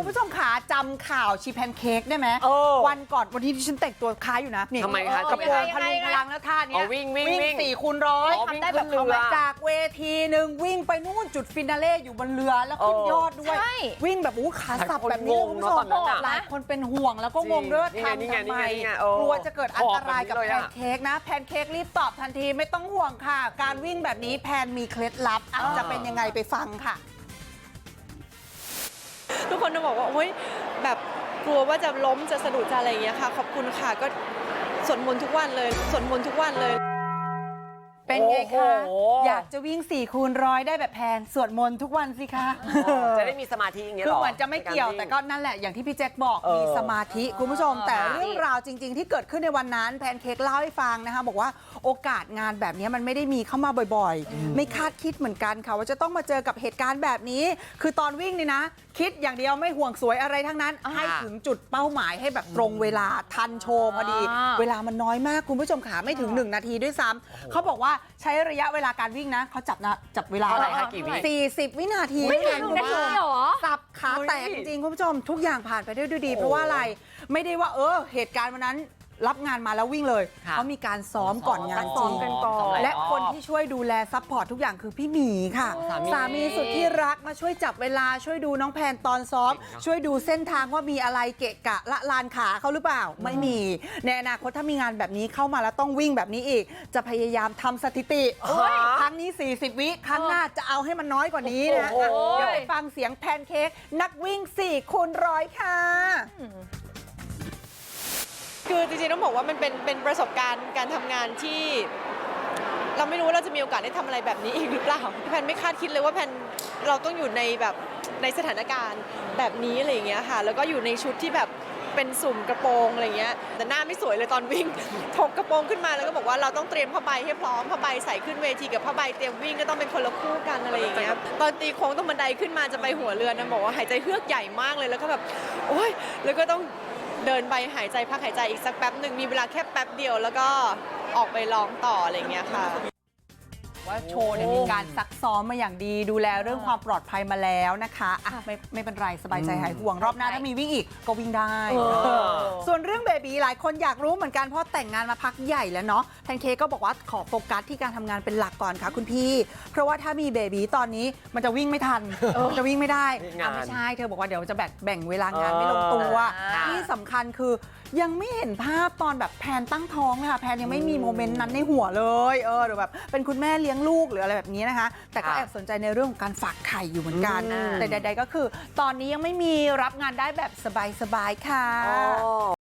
คุณผู้ชมขาจำข่าวชีแพนเค้กได้ไหมวันก่อนวันที่ที่ฉันแต่งตัวคล้ายอยู่นะทำไมคะกระโปรงพลุงพลังแล้วท่านี้วิ่ง 4 คูณ 100ทำได้แบบเขามาจากเวทีหนึ่งวิ่งไปนู่นจุดฟินาเล่อยู่บนเรือแล้วขึ้นยอดด้วยวิ่งแบบขาสับแบบนี้คุณผู้ชมหลายคนเป็นห่วงแล้วก็งงด้วยว่าทำทำไมกลัวจะเกิดอันตรายกับแพนเค้กนะแพนเค้กรีบตอบทันทีไม่ต้องห่วงค่ะการวิ่งแบบนี้แพนมีเคล็ดลับจะเป็นยังไงไปฟังค่ะทุกคนจะบอกว่าโอ้ยแบบกลัวว่าจะล้มจะสะดุดจะอะไรอย่างเงี้ยค่ะขอบคุณค่ะก็สวดมนต์ทุกวันเลยสวดมนต์ทุกวันเลยเป็นไงคะอยากจะวิ่ง4 คูณ 100ได้แบบแพนสวดมนต์ทุกวันสิคะจะได้มีสมาธิอย่างเงี้ยหรอคือเหมือนจะไม่เกี่ยวแต่ก็นั่นแหละอย่างที่พี่แจ็คบอกมีสมาธิคุณผู้ชมแต่เรื่องราวจริงๆที่เกิดขึ้นในวันนั้นแพนเค้กเล่าให้ฟังนะคะบอกว่าโอกาสงานแบบนี้มันไม่ได้มีเข้ามาบ่อยๆไม่คาดคิดเหมือนกันค่ะว่าจะต้องมาเจอกับเหตุการณ์แบบนี้คือตอนวิ่งนี่นะคิดอย่างเดียวไม่ห่วงสวยอะไรทั้งนั้นให้ถึงจุดเป้าหมายให้แบบตรงเวลาทันโชว์พอดีเวลามันน้อยมากคุณผู้ชมขาไม่ถึง1 นาทีด้วยซ้ำเขาบอกว่าใช้ระยะเวลาการวิ่งนะเขาจับเวลาอะไรคะกี่วิ 40 วินาทีคุณผู้ชมสับขาแตกจริงๆคุณผู้ชมทุกอย่างผ่านไปได้ด้วยดีเพราะว่าอะไรไม่ได้ว่าเหตุการณ์วันนั้นรับงานมาแล้ววิ่งเลยเขามีการซ้อมก่อนงานจริงและคนที่ช่วยดูแลซัพพอร์ตทุกอย่างคือพี่หมีค่ะสามีสุดที่รักมาช่วยจับเวลาช่วยดูน้องแพนตอนซ้อมช่วยดูเส้นทางว่ามีอะไรเกะกะละลานขาเขาหรือเปล่าไม่มีในอนาคตถ้ามีงานแบบนี้เข้ามาแล้วต้องวิ่งแบบนี้อีกจะพยายามทำสถิติครั้งนี้40 วิครั้งหน้าจะเอาให้มันน้อยกว่านี้นะเดี๋ยวไปฟังเสียงแพนเค้กนักวิ่ง4 คูณ 100ค่ะคือจริงๆต้องบอกว่ามันเป็นประสบการณ์การทำงานที่เราไม่รู้ว่าเราจะมีโอกาสได้ทำอะไรแบบนี้อีกหรือเปล่าแพนไม่คาดคิดเลยว่าแพนเราต้องอยู่ในแบบในสถานการณ์แบบนี้อะไรอย่างเงี้ยค่ะแล้วก็อยู่ในชุดที่แบบเป็นสุ่มกระโปรงอะไรเงี้ยแต่หน้าไม่สวยเลยตอนวิ่งถกกระโปรงขึ้นมาแล้วก็บอกว่าเราต้องเตรียมผ้าใบให้พร้อมผ้าใบใส่ขึ้นเวทีกับผ้าใบเตรียมวิ่งก็ต้องเป็นคนละคู่กันอะไรอย่างเงี้ยตอนตีโค้งต้องบันไดขึ้นมาจะไปหัวเรือนะบอกว่าหายใจเฮือกใหญ่มากเลยแล้วก็แบบโอ๊ยแล้วก็ต้องเดินไปหายใจพักหายใจอีกสักแป๊บหนึ่งมีเวลาแค่แป๊บเดียวแล้วก็ออกไปร้องต่ออะไรเงี้ยค่ะว่าโชว์เนี่ยมีการซักซ้อมมาอย่างดีดูแลเรื่องความปลอดภัยมาแล้วนะคะไม่เป็นไรสบายใจหายห่วงรอบหน้าถ้ามีวิ่งอีกก็วิ่งได้ส่วนเรื่องเบบีหลายคนอยากรู้เหมือนกันเพราะแต่งงานมาพักใหญ่แล้วเนาะแพนเค้กก็บอกว่าขอโฟกัสที่การทำงานเป็นหลักก่อนค่ะคุณพี่เพราะว่าถ้ามีเบบีตอนนี้มันจะวิ่งไม่ทันจะวิ่งไม่ได้ไม่ใช่เธอบอกว่าเดี๋ยวจะแบ่งเวลางานไม่ลงตัวที่สำคัญคือยังไม่เห็นภาพตอนแบบแพนตั้งท้องเลยค่ะแพนยังไม่มีโมเมนต์นั้นในหัวเลยหรือแบบเป็นคุณแม่เลี้ยงลูกหรืออะไรแบบนี้นะคะแต่ก็แอบสนใจในเรื่องของการฝากไข่อยู่เหมือนกันแต่ใดๆก็คือตอนนี้ยังไม่มีรับงานได้แบบสบายๆค่ะ